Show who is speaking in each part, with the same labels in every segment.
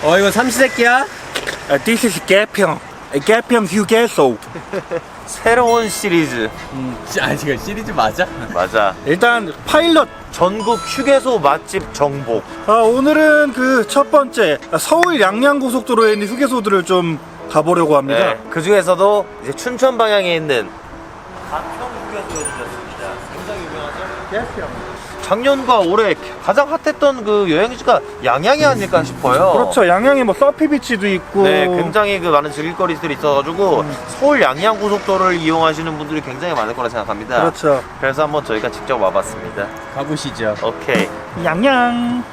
Speaker 1: 이거 삼시세끼야?
Speaker 2: This is 개평. 개평 휴게소.
Speaker 3: 새로운 시리즈.
Speaker 1: 지금 시리즈 맞아?
Speaker 3: 맞아.
Speaker 2: 일단 파일럿.
Speaker 3: 전국 휴게소 맛집 정복.
Speaker 2: 오늘은 그 첫 번째 서울 양양고속도로에 있는 휴게소들을 좀 가보려고 합니다.
Speaker 3: 네. 그 중에서도 이제 춘천 방향에 있는 가평 휴게소에 들렸습니다. 굉장히 유명하죠?
Speaker 2: 개평.
Speaker 3: 작년과 올해 가장 핫했던 그 여행지가 양양이 아닐까 싶어요.
Speaker 2: 그렇죠. 양양에 뭐 서피비치도 있고.
Speaker 3: 네, 굉장히 그 많은 즐길거리들이 있어가지고 서울 양양 고속도로를 이용하시는 분들이 굉장히 많을 거라 생각합니다.
Speaker 2: 그렇죠.
Speaker 3: 그래서 한번 저희가 직접 와봤습니다.
Speaker 1: 가보시죠.
Speaker 3: 오케이.
Speaker 2: 양양.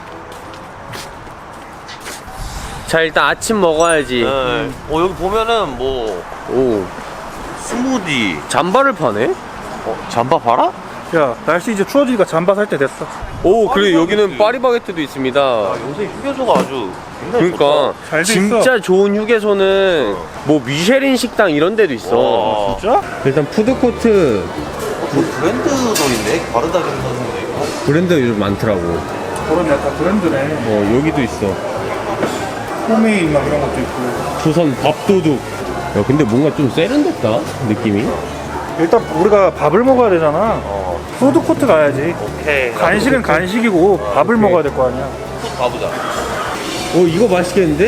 Speaker 1: 자, 일단 아침 먹어야지.
Speaker 3: 네. 여기 보면은 뭐
Speaker 1: 오,
Speaker 3: 스무디.
Speaker 1: 잠바를 파네?
Speaker 3: 잠바 봐라?
Speaker 2: 야, 날씨 이제 추워지니까 잠바 살 때 됐어.
Speaker 1: 오, 그리고 여기는
Speaker 3: 파리바게뜨.
Speaker 1: 파리바게뜨도 있습니다.
Speaker 3: 요새 휴게소가 아주 굉장히
Speaker 1: 그러니까
Speaker 2: 잘돼
Speaker 1: 진짜 좋은 휴게소는 뭐 미쉐린 식당 이런 데도 있어.
Speaker 3: 와.
Speaker 2: 진짜?
Speaker 1: 일단 푸드코트
Speaker 3: 뭐 브랜드도 있네. 바르다긴 선생도 있고.
Speaker 1: 브랜드 요즘 많더라고.
Speaker 2: 그러네, 다 브랜드네.
Speaker 1: 여기도 있어.
Speaker 2: 홈메이드 막 이런 것도 있고.
Speaker 1: 조선 밥도둑. 야, 근데 뭔가 좀 세련됐다 느낌이.
Speaker 2: 일단 우리가 밥을 먹어야 되잖아. 푸드코트 가야지.
Speaker 3: 오케이.
Speaker 2: 간식은 간식이고 밥을
Speaker 1: 오케이.
Speaker 2: 먹어야 될 거 아니야.
Speaker 3: 가보자.
Speaker 1: 이거 맛있겠는데?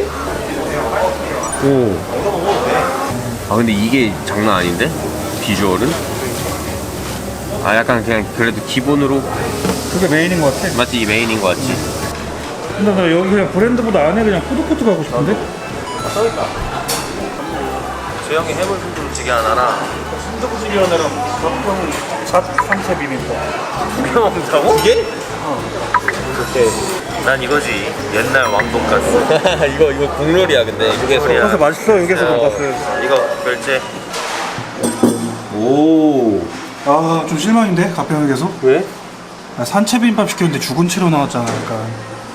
Speaker 1: 오. 아, 근데 이게 장난 아닌데? 비주얼은? 아, 약간 그냥 그래도 기본으로
Speaker 2: 그게 메인인 것 같아.
Speaker 1: 맞지? 이 메인인 것 같지?
Speaker 2: 근데 나 여기 그냥 브랜드보다 안에 그냥 푸드코트 가고 싶은데?
Speaker 3: 써있다. 재영이 해물 순두부찌개 하나랑
Speaker 2: 순두부찌개 하나랑 잣 상체 비빔밥.
Speaker 3: 두개 먹는다고? 두 개? 오케이. 난 이거지. 옛날 왕돈가스.
Speaker 1: 이거 국룰이야, 근데 휴게소.
Speaker 2: 돈가스 맛있어, 여기서 돈가스.
Speaker 3: 이거 결제.
Speaker 1: 오.
Speaker 2: 아, 좀 실망인데, 가평역에서?
Speaker 1: 왜?
Speaker 2: 산채 비빔밥 시켰는데 죽은 채로 나왔잖아, 약간.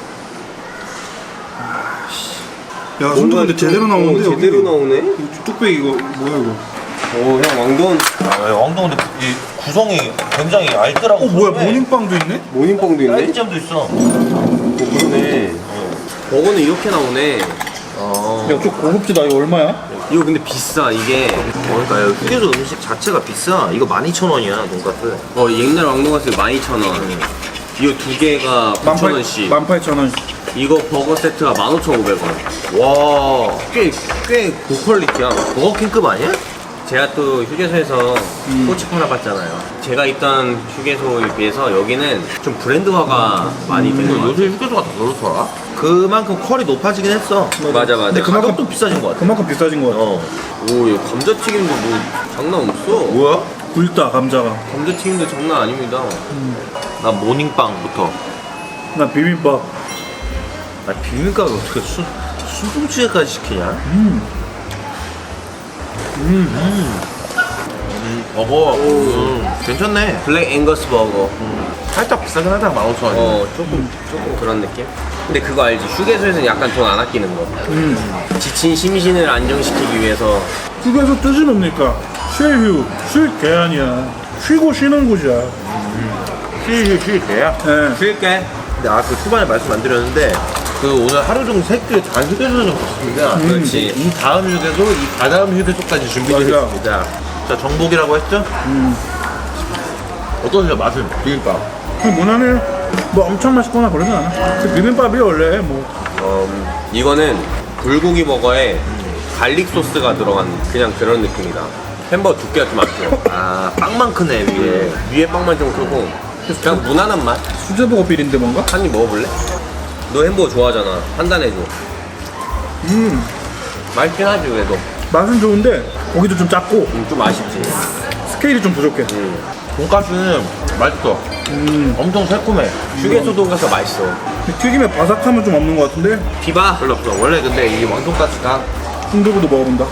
Speaker 2: 야, 순두 근데 제대로 나오는데, 여기.
Speaker 1: 제대로 나오네?
Speaker 2: 이거 뚝배기 이거 뭐야 이거?
Speaker 1: 오, 형 왕돈.
Speaker 3: 왕돈 근데 이 구성이 굉장히 알뜰하고.
Speaker 2: 뭐야, 모닝빵도 있네?
Speaker 1: 모닝빵도 있네?
Speaker 3: 쌀점도 있어.
Speaker 1: 그러네. 버거는 이렇게 나오네.
Speaker 2: 야, 좀 고급지다. 이거 얼마야?
Speaker 1: 이거 근데 비싸, 이게.
Speaker 3: 그러니까 휴게소 음식 자체가 비싸. 이거 12,000원이야 돈가스.
Speaker 1: 옛날 왕돈가스 12,000원. 이거 두 개가 9,000원씩.
Speaker 2: 18,000원.
Speaker 1: 이거 버거 세트가 15,500원.
Speaker 3: 와,
Speaker 1: 꽤 고퀄리티야.
Speaker 3: 버거킹급 아니야?
Speaker 1: 제가 또 휴게소에서 꼬치 팔아봤잖아요. 제가 있던 휴게소에 비해서 여기는 좀 브랜드화가 많이 되는 것
Speaker 3: 요새
Speaker 1: 같아요.
Speaker 3: 휴게소가 다 그렇더라. 그만큼 퀄이 높아지긴 했어.
Speaker 1: 맞아.
Speaker 3: 근데 가격도 비싸진 것 같아.
Speaker 2: 그만큼 비싸진 거 같아.
Speaker 1: 오, 이거 감자튀김도 뭐 장난 없어.
Speaker 3: 뭐야?
Speaker 2: 굵다, 감자가.
Speaker 1: 감자튀김도 장난 아닙니다.
Speaker 3: 나 모닝빵부터.
Speaker 2: 나 비빔밥.
Speaker 3: 아, 비빔밥을 어떻게 순두부찌개까지 시키냐? 버거. 괜찮네.
Speaker 1: 블랙 앵거스 버거.
Speaker 3: 살짝 비싸긴 하다, 15,000원.
Speaker 1: 조금 그런 느낌? 근데 그거 알지? 휴게소에서는 약간 돈 안 아끼는 거. 지친 심신을 안정시키기 위해서.
Speaker 2: 휴게소 뜻이 뭡니까? 쉴휴. 쉴 게 아니야. 쉬고 쉬는 곳이야.
Speaker 3: 쉴게야.
Speaker 2: 예.
Speaker 1: 쉴게.
Speaker 3: 근데 그 초반에 말씀 안 드렸는데 그 오늘 하루 종일 새끼 단 휴게소를 좀 갔습니다.
Speaker 1: 그렇지.
Speaker 3: 이 다음 휴게소, 이 다다음 휴게소까지 준비되어
Speaker 2: 맞아.
Speaker 3: 있습니다. 자, 정복이라고 했죠? 어떠세요, 맛은? 비빔밥.
Speaker 2: 무난해. 뭐 엄청 맛있거나 그러진 않아. 그 비빔밥이 원래 뭐.
Speaker 1: 이거는 불고기 버거에 갈릭 소스가 들어간 그냥 그런 느낌이다. 햄버거 두께가 좀 안 커.
Speaker 3: 아, 빵만 크네, 위에.
Speaker 1: 위에 빵만 좀 크고 그냥 무난한 맛.
Speaker 2: 수제버거 비린데 뭔가?
Speaker 1: 한 입 먹어볼래? 너 햄버거 좋아하잖아. 판단해줘. 맛있긴 하지 그래도.
Speaker 2: 맛은 좋은데 고기도 좀 작고
Speaker 1: 좀 아쉽지.
Speaker 2: 스케일이 좀 부족해.
Speaker 3: 돈가스는 맛있어. 엄청 새콤해.
Speaker 1: 휴게소 돈가스 맛있어.
Speaker 2: 튀김에 바삭함은 좀 없는 것 같은데.
Speaker 1: 비바.
Speaker 3: 별로 없어. 원래 근데 이 왕돈가스가
Speaker 2: 순두부도 먹어본다.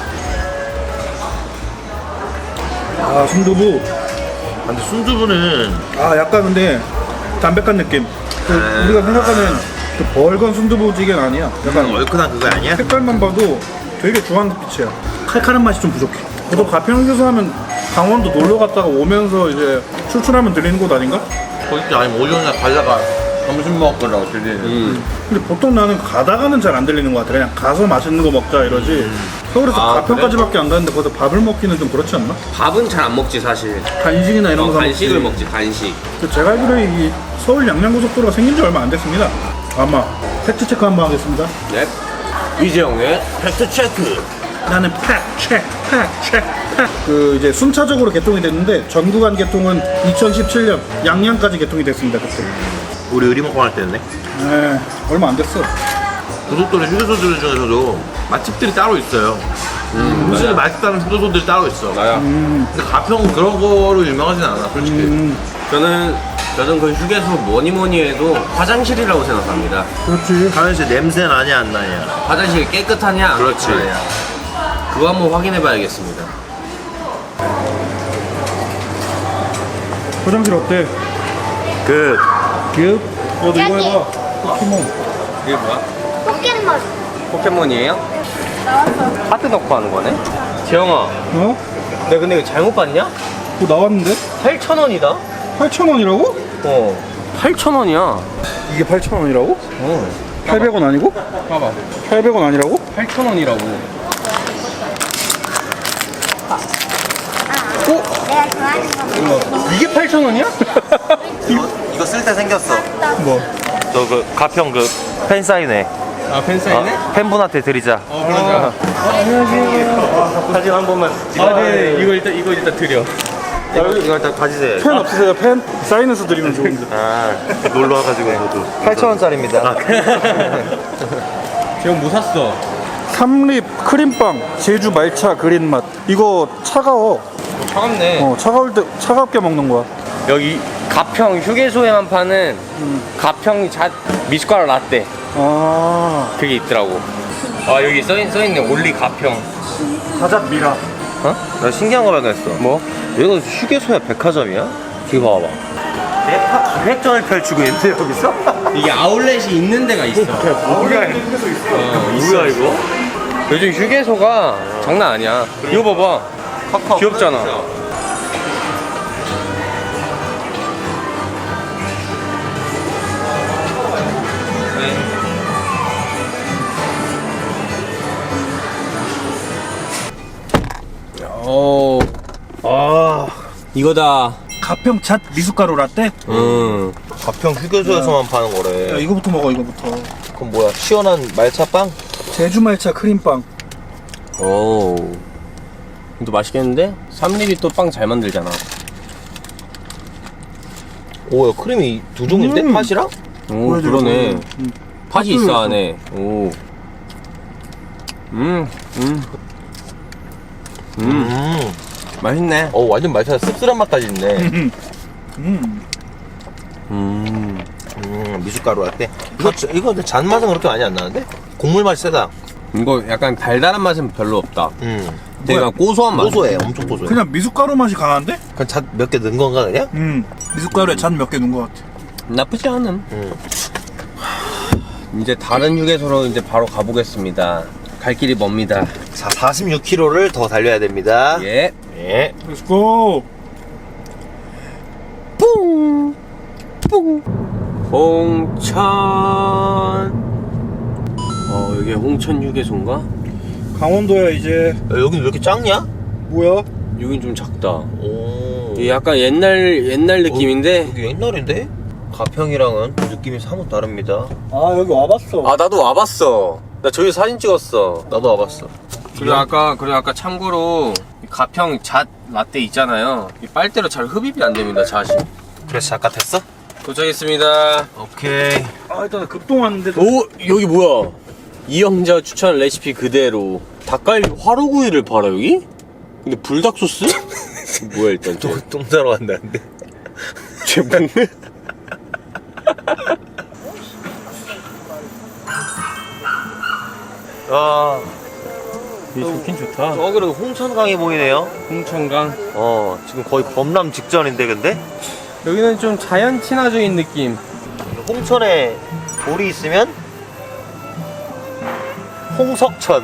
Speaker 2: 아, 순두부.
Speaker 3: 근데 순두부는
Speaker 2: 아, 약간 근데 담백한 느낌. 우리가 생각하는 그 벌건 순두부찌개는 아니야. 약간
Speaker 3: 얼큰한 그거 아니야?
Speaker 2: 색깔만 봐도 되게 주황빛이야. 칼칼한 맛이 좀 부족해. 저도 가평에서 하면 강원도 놀러 갔다가 오면서 이제 출출하면 들리는 곳 아닌가?
Speaker 3: 거기 아니면 오전에 가다가 점심 먹으라고 들리는.
Speaker 2: 근데 보통 나는 가다가는 잘 안 들리는 것 같아. 그냥 가서 맛있는 거 먹자 이러지. 서울에서
Speaker 1: 아,
Speaker 2: 가평까지밖에 안 가는데 거기서 밥을 먹기는 좀 그렇지 않나?
Speaker 1: 밥은 잘 안 먹지 사실.
Speaker 2: 간식이나 이런 거 사
Speaker 1: 간식을 먹지 간식.
Speaker 2: 제가 알기로 이 서울 양양고속도로가 생긴 지 얼마 안 됐습니다. 아마 팩트 체크 한번 하겠습니다.
Speaker 1: 네. 이재영의 팩트 체크.
Speaker 2: 나는 팩 체크. 그 이제 순차적으로 개통이 됐는데 전 구간 개통은 2017년 양양까지 개통이 됐습니다. 그때.
Speaker 3: 우리 의리먹방 할 때였네.
Speaker 2: 네, 얼마 안 됐어.
Speaker 3: 고속도로 휴게소들 중에서도 맛집들이 따로 있어요. 음식이 맛있다는 휴게소들이 따로 있어.
Speaker 1: 나야.
Speaker 3: 근데 가평 그런 거로 유명하진 않아, 솔직히.
Speaker 1: 저는 그 휴게소 뭐니 해도 화장실이라고 생각합니다.
Speaker 2: 그렇지.
Speaker 3: 화장실 냄새 나냐 안 나냐.
Speaker 1: 화장실이 깨끗하냐 안
Speaker 3: 그렇지.
Speaker 1: 깨끗하냐. 그거 한번 확인해봐야겠습니다.
Speaker 2: 화장실 어때?
Speaker 3: 그
Speaker 2: 급? 너도 이거 해봐. 포켓몬.
Speaker 1: 이게 뭐야?
Speaker 4: 포켓몬
Speaker 1: 포켓몬이에요?
Speaker 4: 나왔어.
Speaker 1: 카드 넣고 하는 거네? 재영아,
Speaker 2: 어?
Speaker 1: 내가 근데 이거 잘못 봤냐?
Speaker 2: 그거 나왔는데?
Speaker 1: 8,000원이다?
Speaker 2: 8,000원이라고?
Speaker 1: 8,000원이야.
Speaker 2: 이게 8,000원이라고? 800원 아니고?
Speaker 1: 봐봐.
Speaker 2: 800원 아니라고?
Speaker 1: 8,000원이라고.
Speaker 4: 내가 좋아하는 거.
Speaker 1: 이게 8,000원이야?
Speaker 3: 이거 쓸 때 생겼어.
Speaker 2: 뭐?
Speaker 3: 저 그 가평 그 팬 사인회.
Speaker 1: 아, 팬사인회?
Speaker 3: 팬분한테 드리자.
Speaker 1: 그러자.
Speaker 3: 사진 한 번만.
Speaker 1: 네. 이거 일단 드려.
Speaker 3: 이거 일단 가지세요.
Speaker 2: 펜 없으세요? 펜? 사인해서 드리면 좋은데.
Speaker 3: 아, 놀러 와가지고 저도 8,000원짜리입니다.
Speaker 1: 재영 뭐 샀어?
Speaker 2: 삼립 크림빵 제주 말차 그린 맛. 이거 차가워.
Speaker 1: 차갑네.
Speaker 2: 차가울 때 차갑게 먹는 거야.
Speaker 1: 여기 가평 휴게소에만 파는 가평 잣 미숫가루 라떼.
Speaker 2: 아,
Speaker 1: 그게 있더라고. 아, 여기 써있네. 올리 가평.
Speaker 2: 가잣 미라.
Speaker 3: 어? 나 신기한 거 발견했어.
Speaker 1: 뭐?
Speaker 3: 여기가 휴게소야 백화점이야? 이거 봐봐. 대파 기획전을 펼치고 있는데 여기서?
Speaker 1: 이게 아울렛이 있는 데가 있어.
Speaker 3: 뭐야 이거?
Speaker 1: 요즘 휴게소가 장난 아니야. 이거 봐봐.
Speaker 3: 카카오
Speaker 1: 귀엽잖아. 오, 이거다.
Speaker 2: 가평 잣 미숫가루 라떼?
Speaker 3: 가평 휴게소에서만 파는 거래.
Speaker 2: 야, 이거부터 먹어, 이거부터.
Speaker 3: 그럼 뭐야? 시원한 말차빵?
Speaker 2: 제주 말차 크림빵.
Speaker 1: 오, 또 맛있겠는데? 삼립이 또 빵 잘 만들잖아.
Speaker 3: 오야 크림이 두 종인데? 팥이랑?
Speaker 1: 오,
Speaker 2: 보여줘,
Speaker 1: 그러네.
Speaker 2: 보여줘.
Speaker 1: 팥이 있어 안에. 오. 맛있네.
Speaker 3: 완전 말차 씁쓸한 맛까지 있네. 미숫가루 라떼. 이거 근데 잔맛은 그렇게 많이 안 나는데? 곡물 맛이 세다.
Speaker 1: 이거 약간 달달한 맛은 별로 없다. 되게
Speaker 2: 뭐야?
Speaker 1: 고소한 맛.
Speaker 3: 고소해, 엄청 고소해.
Speaker 2: 그냥 미숫가루 맛이 강한데?
Speaker 3: 그냥 잣 몇 개 넣은 건가 그냥?
Speaker 2: 미숫가루에 잣 몇 개 넣은 것 같아.
Speaker 1: 나쁘지 않음. 이제 다른 휴게소로 이제 바로 가보겠습니다. 갈 길이 멉니다.
Speaker 3: 자, 46km를 더 달려야 됩니다.
Speaker 1: 예.
Speaker 3: 예.
Speaker 2: 렛츠고!
Speaker 1: 뿡! 뿡! 홍천. 여기 홍천 휴게소인가?
Speaker 2: 강원도야, 이제.
Speaker 3: 야, 여긴 왜 이렇게 작냐?
Speaker 2: 뭐야?
Speaker 1: 여긴 좀 작다.
Speaker 3: 오.
Speaker 1: 이게 약간 옛날 느낌인데.
Speaker 3: 여기 옛날인데? 가평이랑은 느낌이 사뭇 다릅니다.
Speaker 2: 아, 여기 와봤어.
Speaker 1: 아, 나도 와봤어. 나 저기 사진 찍었어.
Speaker 3: 나도 와봤어.
Speaker 1: 그리고 아까 참고로 이 가평 잣 라떼 있잖아요. 이 빨대로 잘 흡입이 안 됩니다, 잣이.
Speaker 3: 그래서 작가 됐어?
Speaker 1: 도착했습니다.
Speaker 3: 오케이.
Speaker 2: 아, 일단 급동 왔는데.
Speaker 1: 오, 여기 뭐야? 이영자 추천 레시피 그대로 닭갈비 화로구이를 팔아 여기? 근데 불닭 소스? 뭐야 일단
Speaker 3: 똥 싸러 간다는데.
Speaker 1: 쟤 뭔데?
Speaker 3: 아,
Speaker 1: 이게 좋긴 좋다.
Speaker 3: 그래도 홍천강이 보이네요.
Speaker 1: 홍천강.
Speaker 3: 지금 거의 범람 직전인데 근데?
Speaker 1: 여기는 좀 자연 친화적인 느낌.
Speaker 3: 홍천에 돌이 있으면 홍석천.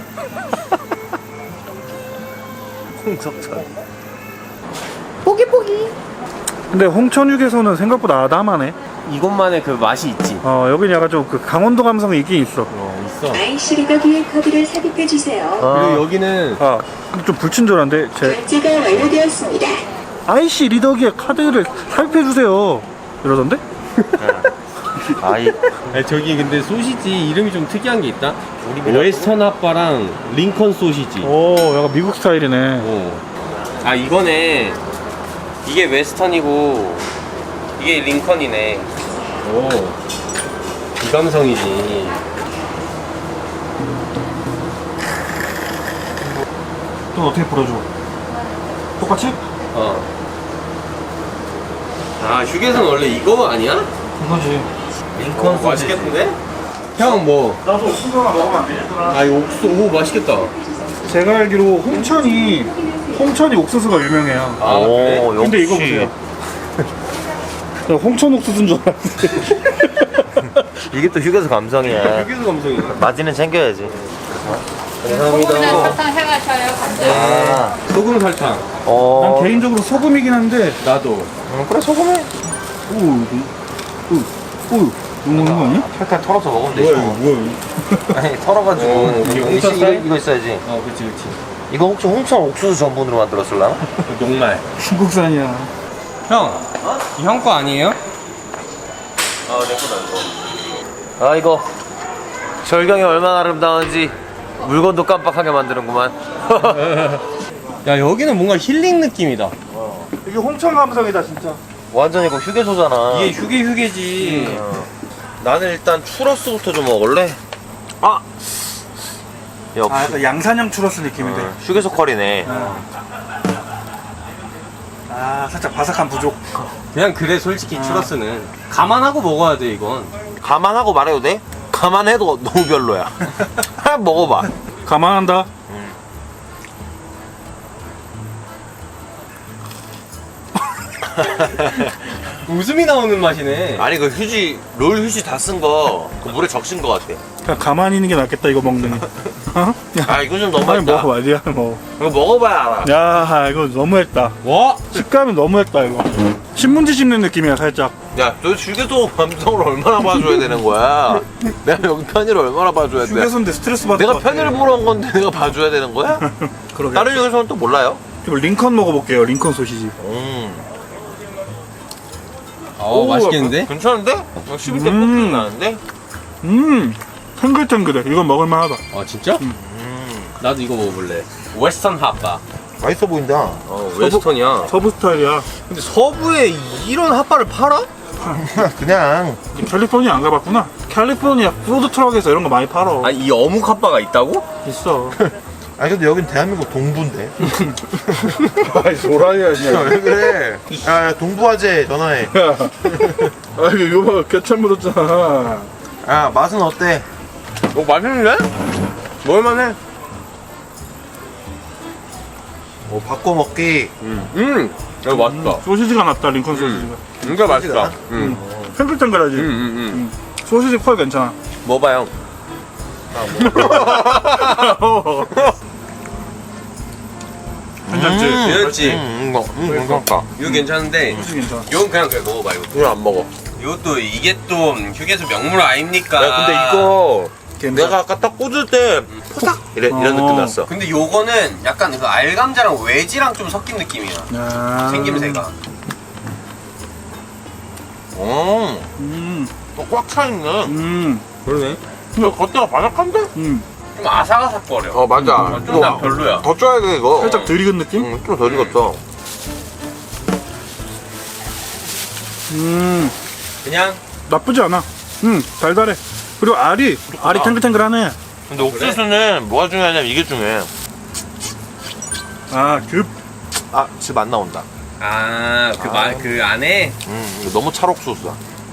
Speaker 3: 홍석천.
Speaker 4: 포기포기.
Speaker 2: 근데 홍천 휴게소는 생각보다 아담하네.
Speaker 1: 이것만의 그 맛이 있지.
Speaker 2: 여긴 약간 좀 그 강원도 감성이 있긴 있어.
Speaker 1: 있어.
Speaker 5: IC 리더기의 카드를 삽입해 주세요.
Speaker 1: 그리고 여기는
Speaker 2: 근데 좀 불친절한데
Speaker 5: 결제가 완료되었습니다.
Speaker 2: IC 리더기에 카드를 삽입해주세요 이러던데?
Speaker 1: 아니 저기 근데 소시지 이름이 좀 특이한 게 있다. 웨스턴 핫바랑 링컨 소시지.
Speaker 2: 오 약간 미국 스타일이네.
Speaker 1: 아 이거네. 이게 웨스턴이고 이게 링컨이네. 오. 이 감성이지.
Speaker 2: 또 어떻게 풀어줘? 똑같이?
Speaker 1: 아 휴게소는 원래 이거 아니야?
Speaker 2: 이거지.
Speaker 1: 링컨 맛있겠는데? 형 뭐?
Speaker 2: 나도 옥수수 하나 먹으면 안 되겠더라.
Speaker 1: 아 이거 옥수수 오 맛있겠다.
Speaker 2: 제가 알기로 홍천이 옥수수가 유명해요.
Speaker 1: 아 그래?
Speaker 2: 근데 이거 보세요. 나 홍천 옥수수인 줄 알았는데.
Speaker 6: 이게 또 휴게소 감성이야.
Speaker 1: 휴게소 감성이야.
Speaker 6: 마진은 챙겨야지.
Speaker 1: 감사합니다.
Speaker 7: 설탕 해가셔요, 감자.
Speaker 1: 소금 설탕.
Speaker 2: 난 개인적으로 소금이긴 한데.
Speaker 1: 나도.
Speaker 6: 그래 소금에
Speaker 2: 오, 너무 먹는 거 아니야?
Speaker 6: 탈탈 털어서 먹으면 되지.
Speaker 2: 뭐야?
Speaker 6: 아니 털어가지고 이거 있어야지.
Speaker 1: 그렇지 그렇지.
Speaker 6: 이거 혹시 홍천 옥수수 전분으로 만들었을라나?
Speaker 1: 녹말.
Speaker 2: 중국산이야.
Speaker 1: 형, 이 형 거 아니에요?
Speaker 6: 아 이거 절경이 얼마나 아름다운지 물건도 깜빡하게 만드는구만.
Speaker 1: 야 여기는 뭔가 힐링 느낌이다.
Speaker 2: 이게 홍천 감성이다 진짜.
Speaker 6: 완전 이거 휴게소잖아.
Speaker 1: 이게 휴게지.
Speaker 6: 나는 일단 추러스부터 좀 먹을래. 아 역시
Speaker 2: 약간 양산형 추러스 느낌인데.
Speaker 6: 휴게소 컬이네.
Speaker 2: 살짝 바삭한 부족.
Speaker 1: 그냥 그래 솔직히 추러스는 감안하고 먹어야 돼 이건.
Speaker 6: 감안하고 말해도 돼? 감안해도 너무 별로야. 한번 먹어봐.
Speaker 2: 감안한다.
Speaker 1: 웃음이 나오는 맛이네.
Speaker 6: 아니 그 휴지 롤 휴지 다 쓴 거 그 물에 적신 거 같아.
Speaker 2: 그냥 가만히 있는 게 낫겠다 이거 먹는 게. 어?
Speaker 6: 아 이거 좀
Speaker 2: 빨리
Speaker 6: 너무했다.
Speaker 2: 먹어봐, 니가 먹어.
Speaker 6: 이거 먹어봐야 알아.
Speaker 2: 야, 이거 너무했다.
Speaker 1: 와.
Speaker 2: 식감이 너무했다 이거. 신문지 씹는 느낌이야 살짝.
Speaker 6: 야, 너 휴게소 감성을 얼마나 봐줘야 되는 거야? 내가 여기 편의를 얼마나 봐줘야 돼?
Speaker 2: 휴게소인데 스트레스 받을
Speaker 6: 내가
Speaker 2: 것 같아.
Speaker 6: 편의를 보러 온 건데 내가 봐줘야 되는 거야?
Speaker 2: 그러게.
Speaker 6: 다른 휴게소는 또 몰라요?
Speaker 2: 그리고 링컨 먹어볼게요. 링컨 소시지.
Speaker 1: 맛있겠는데?
Speaker 6: 괜찮은데? 씹을 때 뽀뽀 나는데?
Speaker 2: 탱글탱글해. 이건 먹을만하다.
Speaker 1: 아 진짜? 나도 이거 먹어볼래. 웨스턴 핫바.
Speaker 6: 맛있어 보인다.
Speaker 1: 웨스턴이야.
Speaker 2: 서부 스타일이야.
Speaker 1: 근데 서부에 이런 핫바를 팔아?
Speaker 6: 그냥
Speaker 2: 캘리포니아 안 가봤구나. 캘리포니아 푸드 트럭에서 이런 거 많이 팔어.
Speaker 1: 아니 이 어묵 핫바가 있다고?
Speaker 2: 있어.
Speaker 6: 아니 근데 여긴 대한민국 동부인데.
Speaker 2: 아이 소라이야
Speaker 6: 왜 그래? 야 동부화재 전화해.
Speaker 2: 아 이거 요거 개참 묻었잖아.
Speaker 6: 야 맛은 어때?
Speaker 1: 맛있는데? 먹을만해.
Speaker 6: 바꿔 먹기.
Speaker 1: 이거 맛있다.
Speaker 2: 소시지가 낫다 링컨 소시지가.
Speaker 1: 진짜 맛있다.
Speaker 2: 탱글탱글하지. 소시지 퀄 괜찮아.
Speaker 1: 먹어봐 형.
Speaker 2: 괜찮지?
Speaker 1: 괜찮지?
Speaker 6: 괜찮다.
Speaker 1: 이거 괜찮은데
Speaker 2: 소시지 괜찮아.
Speaker 1: 이건 그냥 먹어봐 이거.
Speaker 6: 이거 안 먹어.
Speaker 1: 이것도 이게 또 휴게소 명물 아닙니까?
Speaker 6: 야 근데 이거
Speaker 2: 괜찮아.
Speaker 6: 내가 아까 딱 꽂을 때 포닥 이런 느낌 났어.
Speaker 1: 근데 요거는 약간 그 알감자랑 외지랑 좀 섞인 느낌이야. 생김새가.
Speaker 6: 또 꽉 차 있네.
Speaker 1: 그러네.
Speaker 6: 근데 겉에가 바삭한데?
Speaker 1: 좀 아삭아삭거려.
Speaker 6: 맞아.
Speaker 1: 좀 난 별로야.
Speaker 6: 더 쪄야 돼 이거.
Speaker 2: 살짝 덜 익은 느낌?
Speaker 6: 좀 더 익었어.
Speaker 1: 그냥
Speaker 2: 나쁘지 않아. 달달해. 그리고 알이 탱글탱글하네.
Speaker 6: 근데 옥수수는 뭐가 중요하냐면 이게 중요해. 즙 안 나온다.
Speaker 1: 그 안에
Speaker 6: 이거 너무 찰옥수수야.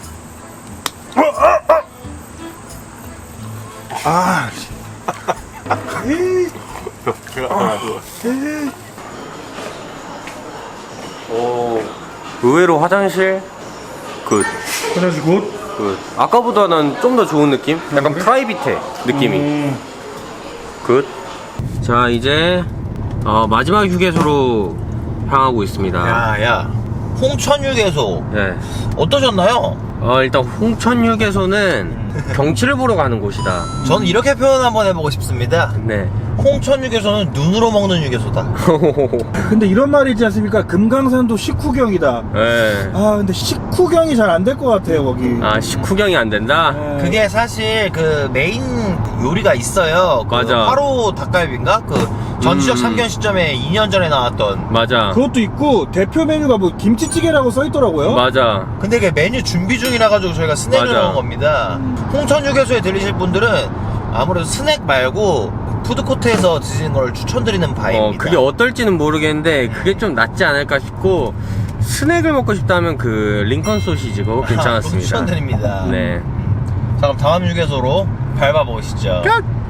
Speaker 1: 의외로 화장실 굿.
Speaker 2: 화장실 굿.
Speaker 1: 굿. 아까보다는 좀 더 좋은 느낌? 약간 프라이빗해 느낌이. 굿. 자 이제 마지막 휴게소로 향하고 있습니다.
Speaker 6: 야, 홍천 휴게소
Speaker 1: 네.
Speaker 6: 어떠셨나요?
Speaker 1: 일단 홍천휴게소는 경치를 보러 가는 곳이다.
Speaker 6: 저는 이렇게 표현 한번 해보고 싶습니다.
Speaker 1: 네.
Speaker 6: 홍천휴게소는 눈으로 먹는 휴게소다.
Speaker 2: 근데 이런 말이 있지 않습니까? 금강산도 식후경이다.
Speaker 1: 네.
Speaker 2: 아 근데 식후경이 잘 안 될 것 같아요 거기.
Speaker 1: 아, 식후경이 안 된다?
Speaker 2: 네.
Speaker 6: 그게 사실 그 메인 요리가 있어요. 그
Speaker 1: 맞아.
Speaker 6: 화로 닭갈비인가? 그 전지적 참견 시점에 2년 전에 나왔던.
Speaker 1: 맞아.
Speaker 2: 그것도 있고 대표 메뉴가 뭐 김치찌개라고 써있더라고요.
Speaker 1: 맞아.
Speaker 6: 근데 그게 메뉴 준비 중이라 가지고 저희가 스낵을
Speaker 1: 맞아.
Speaker 6: 넣은 겁니다. 홍천휴게소에 들리실 분들은 아무래도 스낵 말고 푸드코트에서 드시는 걸 추천드리는 바입니다.
Speaker 1: 그게 어떨지는 모르겠는데 그게 좀 낫지 않을까 싶고, 스낵을 먹고 싶다면 그 링컨 소시지 그거 괜찮았습니다.
Speaker 6: 추천드립니다.
Speaker 1: 네.
Speaker 6: 자, 그럼 다음 휴게소로 밟아보시죠.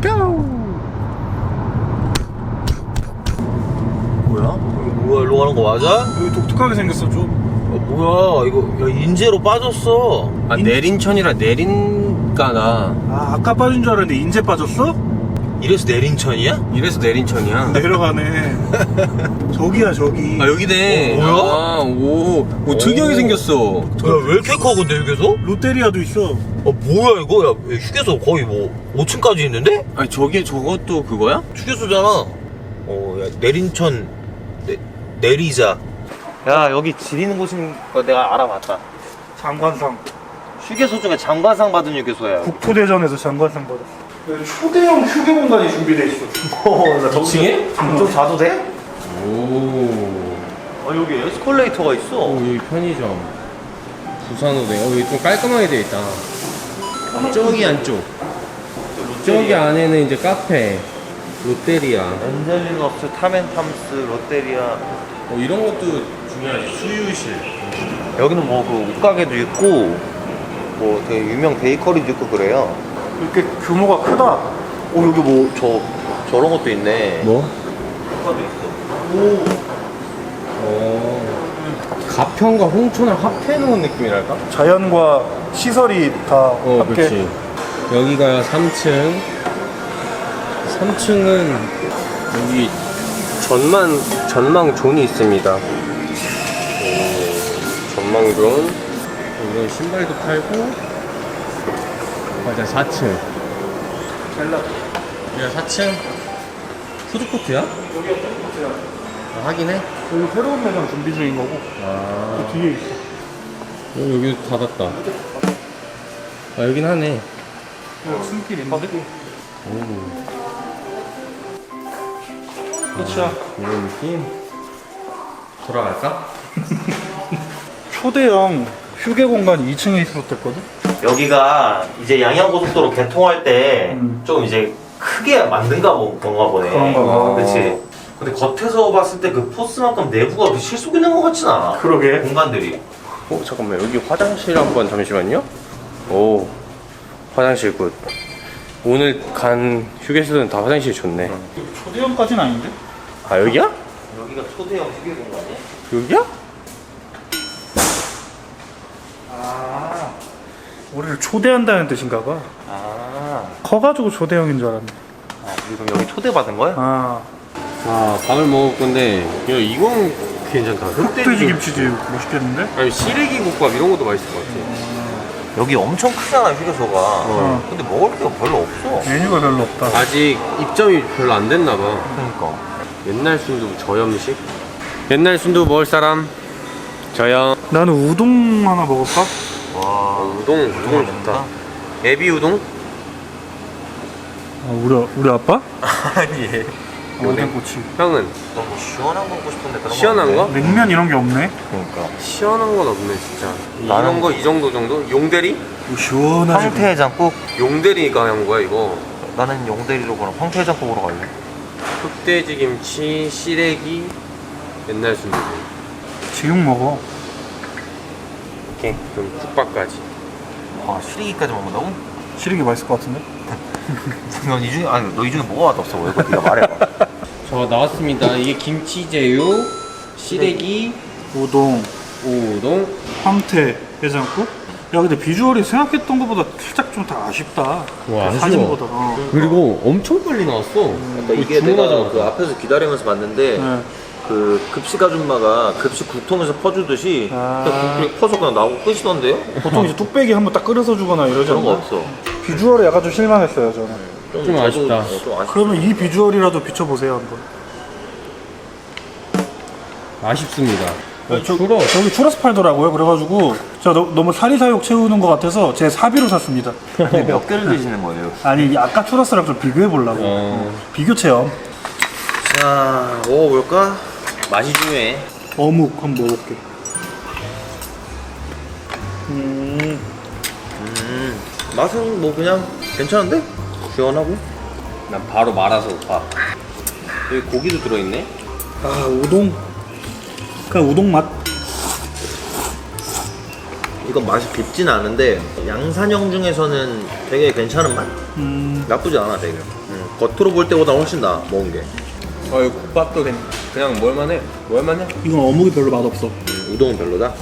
Speaker 6: 뭐야? 뭐야, 일로 가는 거 맞아?
Speaker 2: 여기 독특하게 생겼어 좀.
Speaker 6: 뭐야, 이거 야, 인제로 빠졌어.
Speaker 1: 아, 내린천이라 내린가나.
Speaker 2: 아 아까 빠진 줄 알았는데 인제 빠졌어?
Speaker 6: 이래서 내린천이야?
Speaker 1: 이래서 내린천이야.
Speaker 2: 내려가네. 저기야 저기.
Speaker 1: 아, 여기네.
Speaker 6: 뭐야?
Speaker 1: 아, 오, 특이하게 생겼어.
Speaker 6: 야, 왜 이렇게 커, 근데 휴게소?
Speaker 2: 롯데리아도 있어.
Speaker 6: 뭐야, 이거? 야, 휴게소 거의 뭐 5층까지 있는데?
Speaker 1: 아니, 저것도 그거야?
Speaker 6: 휴게소잖아. 야, 내린천 내리자. 야, 여기 지리는 곳인 거 내가 알아봤다.
Speaker 2: 장관상.
Speaker 6: 휴게소 중에 장관상 받은 휴게소야.
Speaker 2: 국토대전에서 장관상 받았어. 여기 초대형 휴게 공간이 준비돼 있어.
Speaker 1: 2층에?
Speaker 6: 좀 자도 돼?
Speaker 1: 오.
Speaker 6: 여기 에스컬레이터가 있어.
Speaker 1: 오, 여기 편의점. 부산호대. 여기 좀 깔끔하게 돼 있다. 저기 안쪽. 저기 안에는 이제 카페. 롯데리아.
Speaker 6: 엔젤리너스, 타멘탐스, 롯데리아.
Speaker 1: 이런 것도 중요하지. 수유실.
Speaker 6: 여기는 뭐 그 옷가게도 있고 뭐 되게 유명 베이커리도 있고 그래요.
Speaker 2: 이렇게 규모가 크다.
Speaker 6: 여기 뭐 저런 것도 있네.
Speaker 1: 뭐?
Speaker 6: 옷가도 있어.
Speaker 1: 가평과 홍천을 합해놓은 느낌이랄까?
Speaker 2: 자연과 시설이 다 함께.
Speaker 1: 그렇지. 여기가 3층. 3층은 여기 전망 존이 있습니다. 전망 존. 이런 신발도 팔고. 맞아, 4층. 여기가 4층. 푸드코트야?
Speaker 2: 여기가 푸드코트야.
Speaker 1: 하긴 해.
Speaker 2: 여기 새로운 매장 준비 중인 거고. 그 뒤에 있어.
Speaker 1: 여기도 닫았다. 아, 여긴 하네.
Speaker 2: 숨길 있는데? 끝이야.
Speaker 1: 이런 느낌. 돌아갈까?
Speaker 2: 초대형 휴게 공간이 2층에 있었댔거든?
Speaker 6: 여기가 이제 양양고속도로 개통할 때 좀 이제 크게 만든가 건가 보네.
Speaker 2: 그런가 봐.
Speaker 6: 그치. 근데 겉에서 봤을 때 그 포스만큼 내부가 그렇게 실속 있는 것 같진 않아.
Speaker 2: 그러게.
Speaker 6: 공간들이.
Speaker 1: 잠깐만, 여기 화장실 한번 잠시만요. 오, 화장실 굿. 오늘 간 휴게소는 다 화장실 좋네.
Speaker 2: 초대형까지는 아닌데?
Speaker 1: 아, 여기야?
Speaker 6: 여기가 초대형 휴게 공간이야?
Speaker 1: 여기야?
Speaker 2: 아, 우리를 초대한다는 뜻인가 봐. 커가지고 초대형인 줄 알았네.
Speaker 6: 그럼 여기 초대받은 거야?
Speaker 2: 아,
Speaker 1: 밥을 먹을 건데, 이건 괜찮다.
Speaker 2: 흑돼지 김치지 멋있겠는데?
Speaker 1: 아니, 시래기 국밥 이런 것도 맛있을 것 같아.
Speaker 6: 여기 엄청 크잖아 휴게소가.
Speaker 2: 어.
Speaker 6: 근데 먹을 게 별로 없어.
Speaker 2: 메뉴가 별로 없다.
Speaker 1: 아직 입점이 별로 안 됐나 봐.
Speaker 6: 그러니까.
Speaker 1: 옛날 순두 저염식? 옛날 순두 먹을 사람? 저염.
Speaker 2: 나는 우동 하나 먹을까?
Speaker 6: 와,
Speaker 1: 우동 좋다. 애비 우동?
Speaker 2: 아, 우리 아빠?
Speaker 6: 아니.
Speaker 2: 오뎅꼬치.
Speaker 1: 형은?
Speaker 6: 뭐 시원한 거 먹고 싶은데 그런
Speaker 1: 시원한 거?
Speaker 2: 냉면 이런 게 없네.
Speaker 6: 그러니까.
Speaker 1: 시원한 건 없네 진짜.
Speaker 6: 나는-
Speaker 1: 이런 거 이 정도 정도? 용대리?
Speaker 2: 뭐 시원하지.
Speaker 6: 황태해장국?
Speaker 1: 용대리가 한 거야 이거.
Speaker 6: 나는 용대리로 그럼 황태해장국으로 갈래.
Speaker 1: 흑돼지 김치, 시래기, 옛날 순두.
Speaker 2: 지금 먹어.
Speaker 1: 오케이. 그럼 국밥까지.
Speaker 6: 아, 시래기까지 먹는다고?
Speaker 2: 시리기 맛있을 것 같은데?
Speaker 6: 넌 이 중에, 아니, 너 이 중에 뭐가 맛없어 보여? 이거 네가 말해봐.
Speaker 1: 저 나왔습니다. 이게 김치제육, 시래기,
Speaker 2: 우동,
Speaker 1: 우동.
Speaker 2: 황태, 해장국. 야 근데 비주얼이 생각했던 것보다 살짝 좀 더 아쉽다.
Speaker 1: 와, 아쉬워.
Speaker 2: 사진보다.
Speaker 1: 그리고 엄청 빨리 나왔어.
Speaker 6: 그러니까 이게 내가 그 앞에서 기다리면서 봤는데
Speaker 2: 네.
Speaker 6: 그 급식 아줌마가 급식 국통에서 퍼주듯이 그냥 국물이 퍼서 그냥 나오고 끝이던데요?
Speaker 2: 보통 이제 뚝배기 한번 딱 끓여서 주거나 이러지
Speaker 6: 그런 거
Speaker 2: 않나요?
Speaker 6: 없어.
Speaker 2: 비주얼에 약간 좀 실망했어요 저는.
Speaker 1: 좀
Speaker 6: 저도,
Speaker 1: 아쉽다.
Speaker 6: 좀 아쉽다.
Speaker 2: 그러면 이 비주얼이라도 비춰보세요 한번.
Speaker 1: 아쉽습니다.
Speaker 2: 저기 추러스 팔더라고요. 그래가지고 제가 너무 사리사욕 채우는 것 같아서 제 사비로 샀습니다.
Speaker 6: 몇 개를 드시는 거예요?
Speaker 2: 아니 아까 추러스랑 좀 비교해 보려고. 비교 체험.
Speaker 6: 자, 먹어볼까? 맛이 중요해.
Speaker 2: 어묵 한번 먹어볼게.
Speaker 6: 맛은 뭐 그냥 괜찮은데? 시원하고?
Speaker 1: 난 바로 말아서 봐. 여기 고기도 들어있네.
Speaker 2: 아 우동. 그냥 우동 맛.
Speaker 6: 이건 맛이 깊진 않은데 양산형 중에서는 되게 괜찮은 맛? 나쁘지 않아 되게. 겉으로 볼 때보다 훨씬 나아 먹은 게.
Speaker 1: 이 국밥도 그냥 뭘만해. 뭘만해.
Speaker 2: 이건 어묵이 별로 맛없어.
Speaker 6: 우동은 별로다?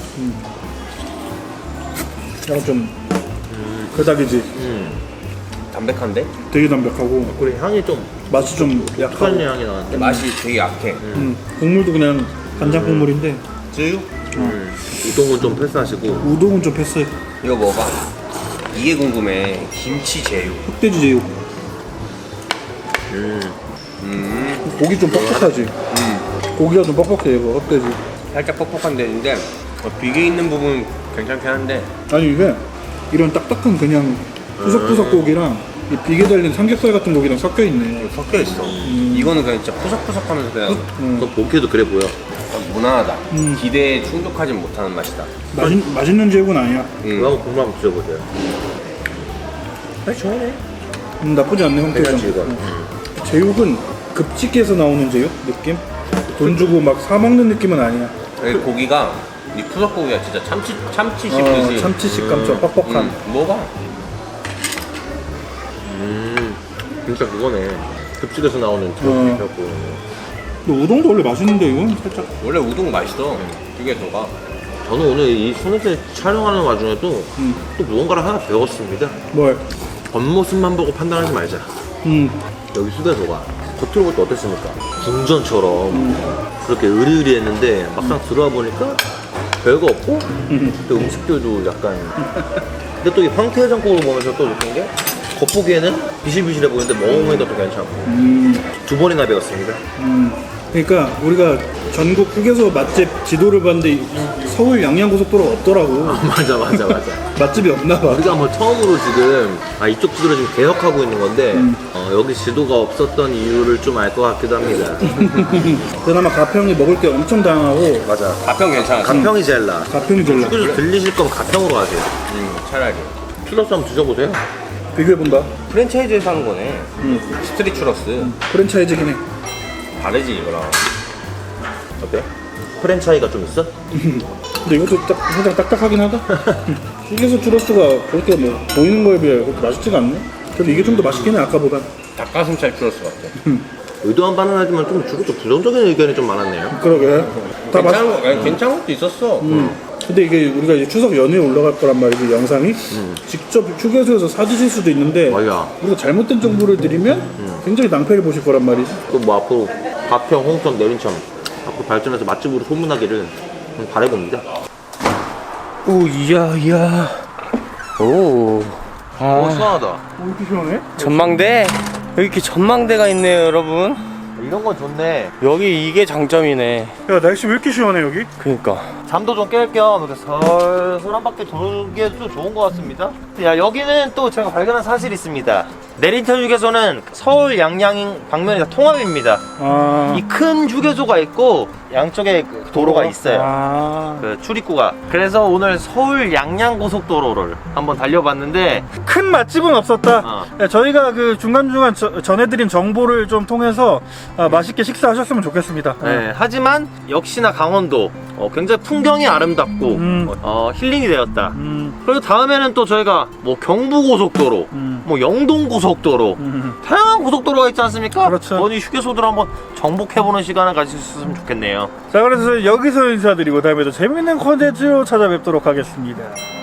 Speaker 2: 약간 좀 그닥이지.
Speaker 1: 담백한데?
Speaker 2: 되게 담백하고
Speaker 6: 그리고 향이 좀
Speaker 2: 맛이 좀
Speaker 6: 독한
Speaker 2: 약하고.
Speaker 6: 향이 나는데
Speaker 1: 맛이 되게 약해.
Speaker 2: 국물도 그냥 간장 국물인데
Speaker 1: 쯔유?
Speaker 6: 우동은 좀 패스하시고
Speaker 2: 우동은 좀 패스.
Speaker 1: 이거 먹어봐. 이게 궁금해. 김치 제육.
Speaker 2: 흑돼지 제육. 고기 좀 뻑뻑하지. 고기가 좀 뻑뻑해 이거 흑돼지.
Speaker 1: 살짝 퍽퍽한 데인데 비계 있는 부분 괜찮긴 한데
Speaker 2: 아니 이게 이런 딱딱한 그냥 푸석푸석 고기랑 이 비계 달린 삼겹살 같은 고기랑 섞여 있네.
Speaker 1: 섞여 있어. 이거는 그냥 진짜 푸석푸석하면서 그냥
Speaker 6: 또 보기에도 그래 보여.
Speaker 1: 무난하다. 기대에 충족하진 못하는 맛이다.
Speaker 2: 맛있는 제육은 아니야.
Speaker 6: 그거 한번 국물 한번 드셔보세요.
Speaker 1: 좋네.
Speaker 2: 나쁘지 않네 형태가.
Speaker 6: 괜찮지 이거.
Speaker 2: 제육은 급식에서 나오는 제육 느낌? 돈 주고 막 사 먹는 느낌은 아니야.
Speaker 1: 여기 고기가 이 푸석 고기가 진짜 참치 씹듯이.
Speaker 2: 참치 식감 좀 뻑뻑한.
Speaker 1: 먹어봐.
Speaker 6: 진짜 그거네. 급식에서 나오는 제육이라고.
Speaker 2: 근데 우동도 원래 맛있는데 이건 살짝.
Speaker 1: 원래 우동 맛있어. 휴게소가.
Speaker 6: 저는 오늘 이 소네트 촬영하는 와중에도 또 무언가를 하나 배웠습니다.
Speaker 2: 뭘?
Speaker 6: 겉모습만 보고 판단하지 말자. 여기 휴게소가 겉으로 볼 때 어땠습니까? 궁전처럼 그렇게 으리으리했는데 막상 들어와 보니까 별거 없고 또 음식들도 약간 근데 또 이 황태해장국을 보면서 또 느낀 게 겉보기에는 비실비실해 보이는데 먹어보니까 또 괜찮고 두 번이나 배웠습니다.
Speaker 2: 그러니까 우리가 전국 휴게소 맛집 지도를 봤는데 서울 양양고속도로가 없더라고.
Speaker 6: 맞아.
Speaker 2: 맛집이 없나 봐.
Speaker 6: 우리가 뭐 처음으로 지금 이쪽 지도를 지금 개혁하고 있는 건데 여기 지도가 없었던 이유를 좀 알 것 같기도 합니다.
Speaker 2: 그나마 가평이 먹을 게 엄청 다양하고.
Speaker 6: 맞아.
Speaker 1: 가평 괜찮아.
Speaker 6: 가평이 제일 나아.
Speaker 2: 가평이 제일 나.
Speaker 6: 휴게소 들리실 거면 가평으로 가세요.
Speaker 1: 차라리.
Speaker 6: 추러스 한번 드셔보세요.
Speaker 2: 비교해본다.
Speaker 1: 프랜차이즈에서 하는 거네. 스트릿 추러스.
Speaker 2: 프랜차이즈긴 해.
Speaker 1: 다르지 이거랑.
Speaker 6: 어때? 프랜차이가 좀 있어?
Speaker 2: 근데 이것도 살짝 딱딱하긴 하다. 휴게소 추러스가 그렇게 뭐 보이는 거에 비해 그렇게 맛있지가 않네. 그래도 이게 좀 더 맛있긴 해 아까보다.
Speaker 1: 닭가슴살 추러스 같아.
Speaker 6: 의도한 바는 하지만 좀 주로 좀 부정적인 의견이 좀 많았네요.
Speaker 2: 그러게. 다 맛.
Speaker 1: 괜찮은 것도 있었어.
Speaker 2: 근데 이게 우리가 이제 추석 연휴에 올라갈 거란 말이지 영상이. 직접 휴게소에서 사드실 수도 있는데
Speaker 6: 맞아.
Speaker 2: 우리가 잘못된 정보를 드리면 굉장히 낭패를 보실 거란 말이지.
Speaker 6: 또 뭐 앞으로 가평, 홍천, 내린천 앞으로 발전해서 맛집으로 소문나기를 바라봅니다.
Speaker 1: 오, 이야. 오.
Speaker 6: 시원하다.
Speaker 2: 왜 이렇게 시원해?
Speaker 1: 전망대? 여기 이렇게 전망대가 있네요, 여러분.
Speaker 6: 이런 건 좋네.
Speaker 1: 여기 이게 장점이네.
Speaker 2: 야 날씨 왜 이렇게 시원해 여기?
Speaker 1: 그니까.
Speaker 6: 잠도 좀 깰 겸 이렇게 설설 한 바퀴 돌기에도 좋은 것 같습니다. 야, 여기는 또 제가 발견한 사실이 있습니다. 내린천 휴게소는 서울 양양 방면이 다 통합입니다. 이 큰 휴게소가 있고 양쪽에 그 도로가 있어요. 그 출입구가. 그래서 오늘 서울 양양 고속도로를 한번 달려봤는데
Speaker 2: 큰 맛집은 없었다. 네, 저희가 그 중간중간 전해드린 정보를 좀 통해서 맛있게 식사하셨으면 좋겠습니다.
Speaker 6: 네, 하지만 역시나 강원도 굉장히 풍경이 아름답고 힐링이 되었다. 그리고 다음에는 또 저희가 뭐 경부고속도로, 뭐 영동고속도로 다양한 고속도로가 있지 않습니까?
Speaker 2: 그렇죠.
Speaker 6: 어디 휴게소들 한번 정복해보는 시간을 가질 수 있으면 좋겠네요.
Speaker 2: 자, 그래서 여기서 인사드리고 다음에 또 재밌는 콘텐츠로 찾아뵙도록 하겠습니다.